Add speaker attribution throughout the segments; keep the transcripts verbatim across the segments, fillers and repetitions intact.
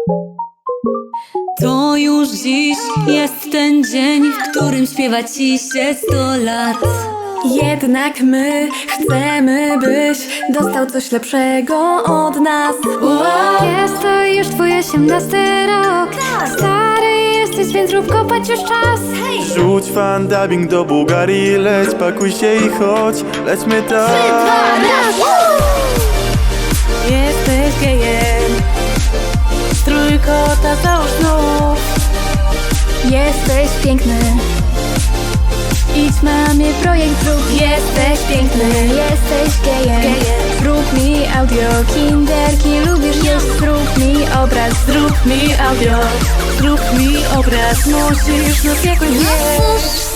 Speaker 1: To już dziś jest ten dzień, w którym śpiewa ci się sto lat.
Speaker 2: Jednak my chcemy, byś dostał coś lepszego od nas.
Speaker 3: Jest to już twój osiemnasty rok. Stary jesteś, więc rób kopać już czas.
Speaker 4: Rzuć fan dubbing do Bułgarii, leć, pakuj się i chodź, lećmy tam.
Speaker 2: Jesteś gejem, trójkota załóż znów.
Speaker 3: Jesteś piękny.
Speaker 2: Idź mamie projekt zrób.
Speaker 3: Jesteś piękny. Jesteś gejem.
Speaker 2: Zrób mi audio, kinderki lubisz jeść. Zrób mi obraz, zrób mi audio. Zrób mi obraz, musisz nas jakoś zjeść.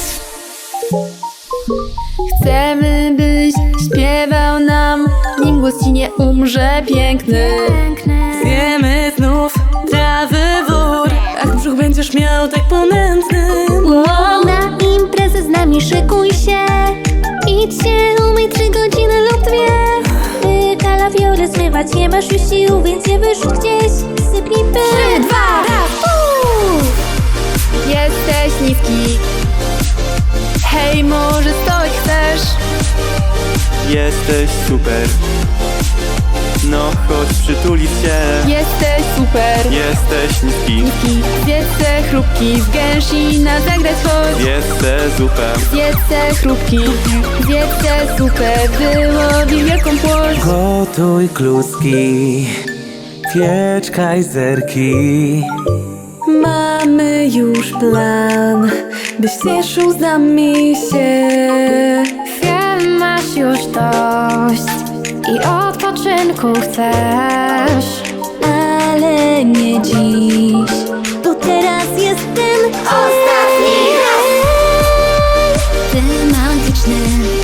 Speaker 2: Chcemy, byś śpiewał nam, nim głos ci nie umrze piękny. Zjemy znów trawy wór, a brzuch będziesz miał tak ponętny.
Speaker 3: Na imprezę z nami szykuj się. Idź się umyj trzy godziny lub dwie. Ty kalafiorę zmywać nie masz już sił, więc je wyrzuć gdzieś. Sypnij pył.
Speaker 2: Trzy, dwa, raz, uuu! Jesteś niski. Hej, może stoić chcesz?
Speaker 4: Jesteś super. No chodź przytulić się.
Speaker 2: Jesteś super.
Speaker 4: Jesteś niski.
Speaker 2: Zjedzę chrupki z gęsina, zagrać chodź.
Speaker 4: Jesteś zupę.
Speaker 2: Zjedzę chrupki, zjedzę zupę, wyłowi wielką płoć.
Speaker 5: Gotuj kluski, piecz kajzerki.
Speaker 2: Mamy już plan, byś cieszył z nami się.
Speaker 3: Wiem, masz już dość i odpoczynku chcesz.
Speaker 1: Ale nie dziś, bo teraz jest ten ostatni raz. Ty magiczny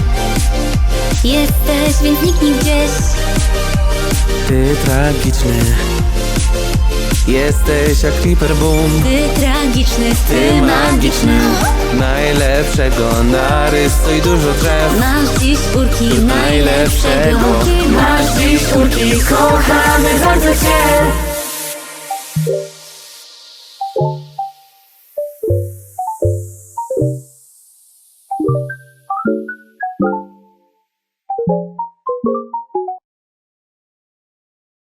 Speaker 1: jesteś, więc niknij gdzieś.
Speaker 5: Ty tragiczny, jesteś jak Creeper Boom.
Speaker 1: Ty tragiczny,
Speaker 5: Ty
Speaker 1: ty magiczny.
Speaker 5: Najlepszego narysuj dużo drzew.
Speaker 1: Masz dziś urki najlepszego.
Speaker 5: najlepszego.
Speaker 2: Masz dziś urki, kochamy bardzo cię.